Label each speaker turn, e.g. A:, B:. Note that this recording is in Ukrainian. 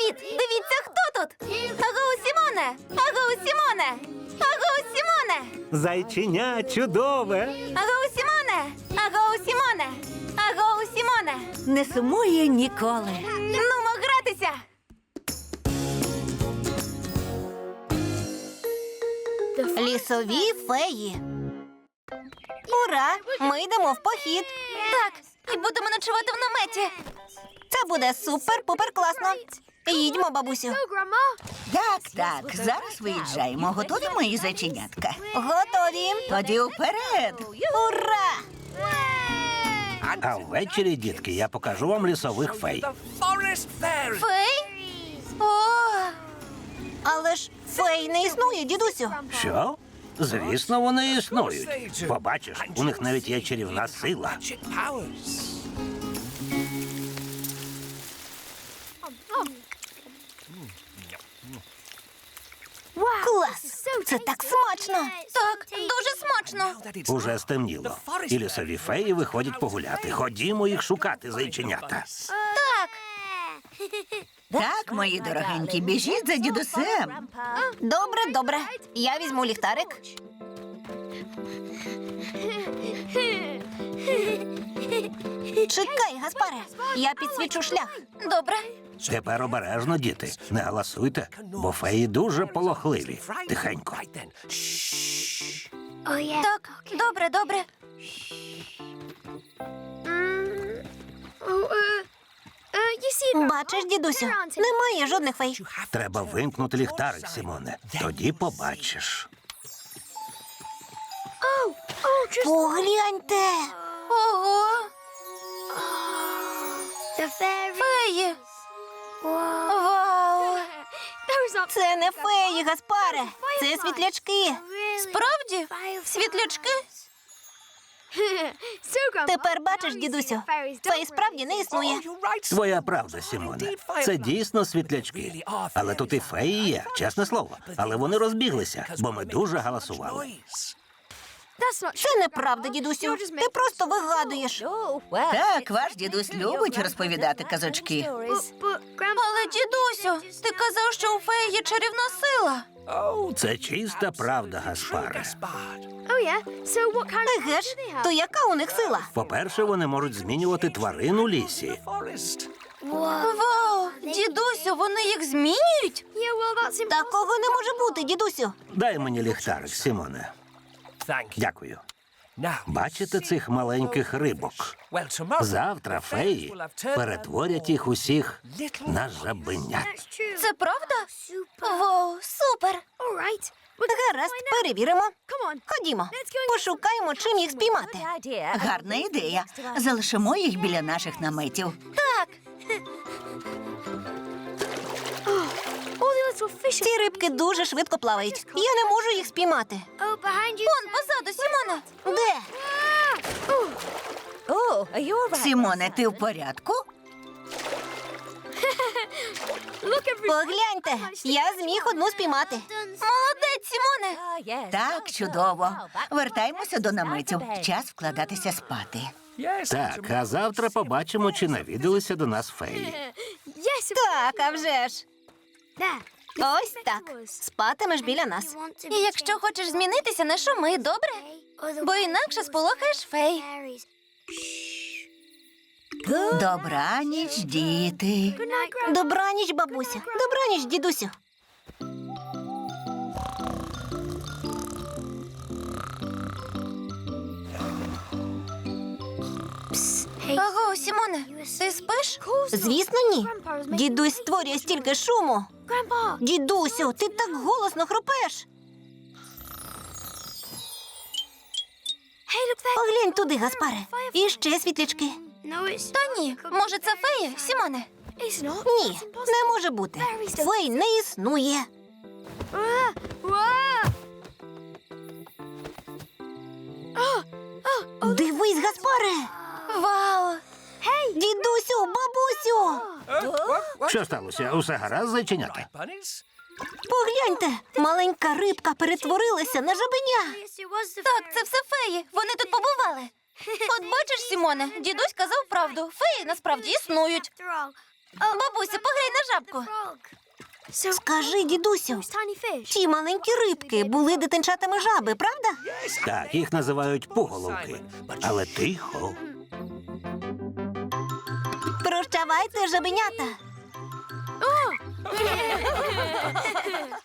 A: Привіт! Дивіться, хто тут! Агоу, Сімоне! Агоу, Сімоне! Агоу, Сімоне!
B: Зайченя чудове.
A: Агоу, Сімоне! Агоу, Сімоне! Агоу, Сімоне!
C: Не сумує ніколи.
A: Нумо гратися! Лісові феї. Ура! Ми йдемо в похід. Так, і будемо ночувати в наметі. Це буде супер-пупер класно. Їдьмо, бабусю.
C: Так, зараз виїжджаємо. Готові, мої зайченятка?
A: Готові.
C: Тоді вперед!
A: Ура!
B: А ввечері, дітки, я покажу вам лісових фей.
A: Фей? О! Але ж фей не існує, дідусю.
B: Що? Звісно, вони існують. Побачиш, у них навіть є чарівна сила.
A: Клас! Це так смачно! Так, дуже смачно.
B: Уже стемніло. І лісові феї виходять погуляти. Ходімо їх шукати, зайченята.
A: Так.
C: Так, мої дорогенькі, біжіть за дідусем.
A: Добре, добре. Я візьму ліхтарик. Чекай, Гаспаре. Я підсвічу шлях. Добре.
B: Тепер обережно, діти. Не галасуйте, бо феї дуже полохливі. Тихенько.
A: Так, добре, добре. Бачиш, дідусю, немає жодних фей.
B: Треба вимкнути ліхтарик, Сімоне. Тоді побачиш.
A: Погляньте. Ого. Феї. Вау. Це не феї, Гаспаре. Це світлячки. Справді? Світлячки? Тепер бачиш, дідусю, фей справді не існує.
B: Твоя правда, Сімоне. Це дійсно світлячки. Але тут і феї є, чесне слово. Але вони розбіглися, бо ми дуже галасували.
A: Це неправда, дідусю. Ти просто вигадуєш.
C: Так, ваш дідусь любить розповідати казочки.
A: Але, дідусю, ти казав, що у феї є чарівна сила.
B: Це чиста правда, Гаспаре.
A: Еге ж, то яка у них сила?
B: По-перше, вони можуть змінювати тварин у лісі.
A: Вау, дідусю, вони їх змінюють? Такого не може бути, дідусю.
B: Дай мені ліхтарик, Сімоне. Дякую. Бачите цих маленьких рибок? Завтра феї перетворять їх усіх на жабенят.
A: Це правда? Вау, супер. Гаразд, перевіримо. Ходімо, пошукаємо, чим їх спіймати.
C: Гарна ідея. Залишимо їх біля наших наметів.
A: Так. Ці рибки дуже швидко плавають. Я не можу їх спіймати. Вон, позаду, Сімона. Де?
C: Сімоне, ти в порядку?
A: Погляньте, я зміг одну спіймати. Молодець, Сімоне.
C: Так, чудово. Вертаємося до наметів. Час вкладатися спати.
B: Так, а завтра побачимо, чи навідалися до нас феї.
A: Так, а вже ж. Ось так. Спатимеш біля нас. І якщо хочеш змінитися, не шуми, добре? Бо інакше сполохаєш фей.
C: Добраніч, діти.
A: Добраніч, бабуся. Добраніч, дідусю. Аго, Сімоне, ти спиш? Звісно, ні. Дідусь створює стільки шуму. Дідусю, ти так голосно хропеш. Поглянь туди, Гаспаре. І ще світлячки. Та ні, може це феї, Сімоне? Ні, не може бути. Фей не існує. Дивись, Гаспаре. Вау! Дідусю, бабусю!
B: Що сталося? Усе гаразд, зайченята?
A: Погляньте, маленька рибка перетворилася на жабеня. Так, це все феї. Вони тут побували. От бачиш, Сімоне, дідусь казав правду. Феї насправді існують. Бабусю, поглянь на жабку. Скажи, дідусю, ті маленькі рибки були дитинчатами жаби, правда?
B: Так, їх називають пуголовки. Але тихо.
A: Прощавайте, жабенята.